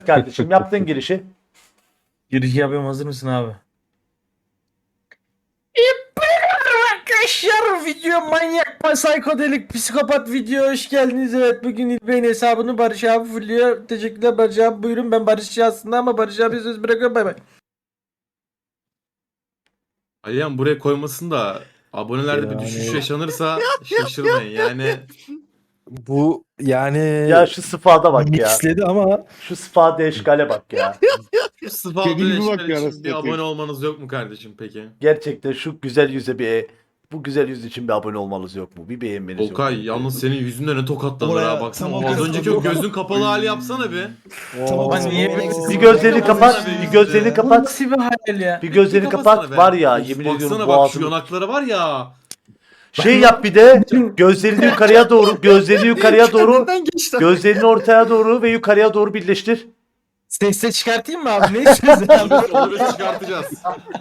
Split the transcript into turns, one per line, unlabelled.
Kardeşim yaptığın girişi.
Giriş yapıyorum, hazır mısın abi? Arkadaşlar, video manyak, psikodelik, psikopat video, hoş geldiniz. Evet, bugün İlbey'in hesabını Barış abi fulluyor. Teşekkürler Barış abi, buyurun. Ben Barışçı aslında ama Barış abi söz bırakıyorum, bay bay.
Aliyan buraya koymasın da abonelerde bir düşüş yaşanırsa şaşırmayın yani.
Bu yani
Ya şu sıfada bak ya.
mixledi ama
Şu sıfada eşkale bak ya.
Şu sıfat
Kedilimi bak
işler
ya,
için
arasında
bir
atayım.
abone olmanız yok mu kardeşim peki?
Gerçekten şu güzel yüze bu güzel yüz için bir abone olmanız yok mu? Bir beğenmeniz yok mu?
Okay yalnız senin yüzünden ne tokatladılar
Oraya
ha, baksana.
tam
Az
o
önceki o gözün kapalı hali yapsana bir.
Tamam,
Ben niye
Bir gözlerini kapat,
Baksana
bir gözlerini
Bu
kapat.
nasıl bir hayal ya?
Bir gözlerini
Kapatsana
kapat
be.
var ya,
Of,
yemin
baksana
ediyorum
bak şu
boğazım.
yanaklara var ya.
Şey yap bir de gözlerini yukarıya doğru, gözlerini yukarıya doğru,
Neden geçti?
gözlerini ortaya doğru ve yukarıya doğru birleştir.
Sesle çıkartayım mı abi? Ne istiyorsun abi?
Onu biz çıkartacağız.